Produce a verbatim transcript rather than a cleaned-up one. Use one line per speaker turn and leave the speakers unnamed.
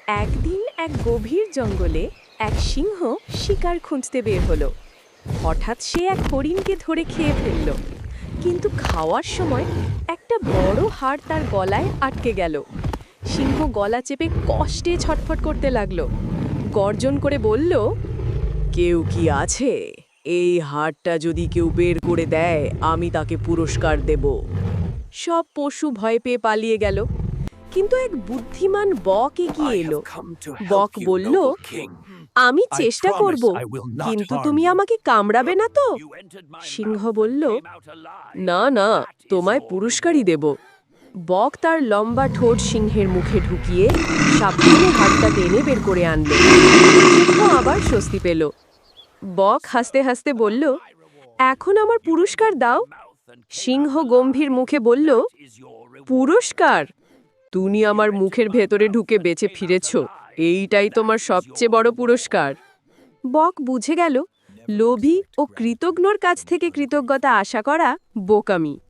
একদিন এক গভীর জঙ্গলে এক সিংহ শিকার খুঁজতে বের হলো। হঠাৎ সে এক হরিণকে ধরে খেয়ে ফেলল, কিন্তু খাওয়ার সময় একটা বড় হাড় তার গলায় আটকে গেল। সিংহ গলা চেপে কষ্টে ছটফট করতে লাগলো, গর্জন করে বলল, কেউ কি আছে? এই হাড়টা যদি কেউ বের করে দেয়, আমি তাকে পুরস্কার দেব। সব পশু ভয় পেয়ে পালিয়ে গেল, কিন্তু এক বুদ্ধিমান বক এগিয়ে এলো। বক বলল, আমি চেষ্টা করব, কিন্তু তুমি আমাকে কামড়াবে না তো? সিংহ বলল, না না, তোমায় পুরস্কারই দেব। বক তার লম্বা ঠোঁট সিংহের মুখে ঢুকিয়ে সাবধানে হাতটা টেনে বের করে আনল। সিংহ আবার স্বস্তি পেল। বক হাসতে হাসতে বলল, এখন আমার পুরস্কার দাও। সিংহ গম্ভীর মুখে বলল, পুরস্কার? তুমি আমার মুখের ভেতরে ঢুকে বেঁচে ফিরেছ, এইটাই তোমার সবচেয়ে বড় পুরস্কার। বক বুঝে গেল, লোভী ও কৃতজ্ঞর কাছ থেকে কৃতজ্ঞতা আশা করা বোকামি।